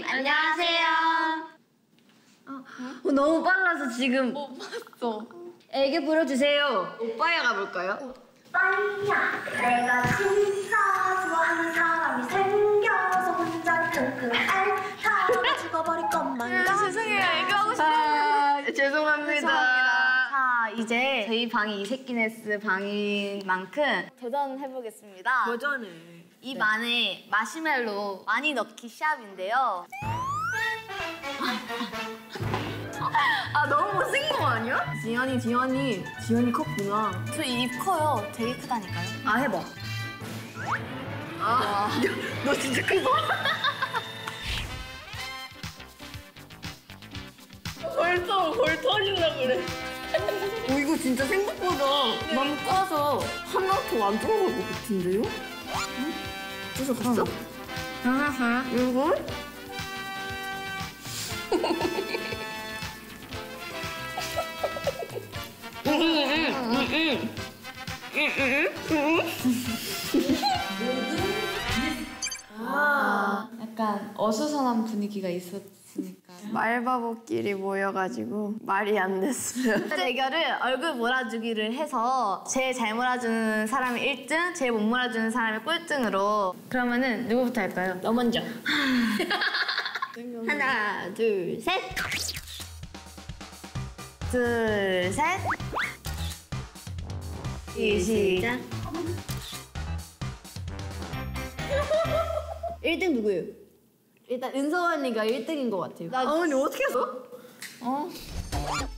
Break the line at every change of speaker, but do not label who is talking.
안녕하세요. 너무 빨라서 지금
못 봤어.
애교 부려주세요. 오빠야 가볼까요?
오빠야, 내가 진짜 좋아하는 사람이 생겨서 혼자 끙끙 앓다가 죽어버릴 것만
죄송해요. 애교하고 싶어요.
죄송합니다. 자, 이제 저희 방이 이세키네스 방인 만큼 도전해보겠습니다.
도전을.
입 안에 마시멜로 많이 넣기 시합인데요.
너무 못생긴 거 아니야? 지연이 컸구나.
저 입 커요. 되게 크다니까요.
해봐. 너 진짜 크다. 벌 터진다 그래. 이거 진짜 생각보다 맘 까서 하나도 안 들어갈 것 같은데요? 응? 진짜 갔어? 이거?
약간 어수선한 분위기가 있었으니까.
말바보끼리 모여가지고 말이 안 됐어요.
대결을 얼굴 몰아주기를 해서 제일 잘 몰아주는 사람이 1등, 제일 못 몰아주는 사람이 꼴등으로. 그러면은 누구부터 할까요?
너 먼저.
하나, 둘, 셋. 둘, 셋. 시작.
1등 누구예요? 일단 은서 언니가 1등인 것 같아요.
나
언니 어떻게 했어?
어?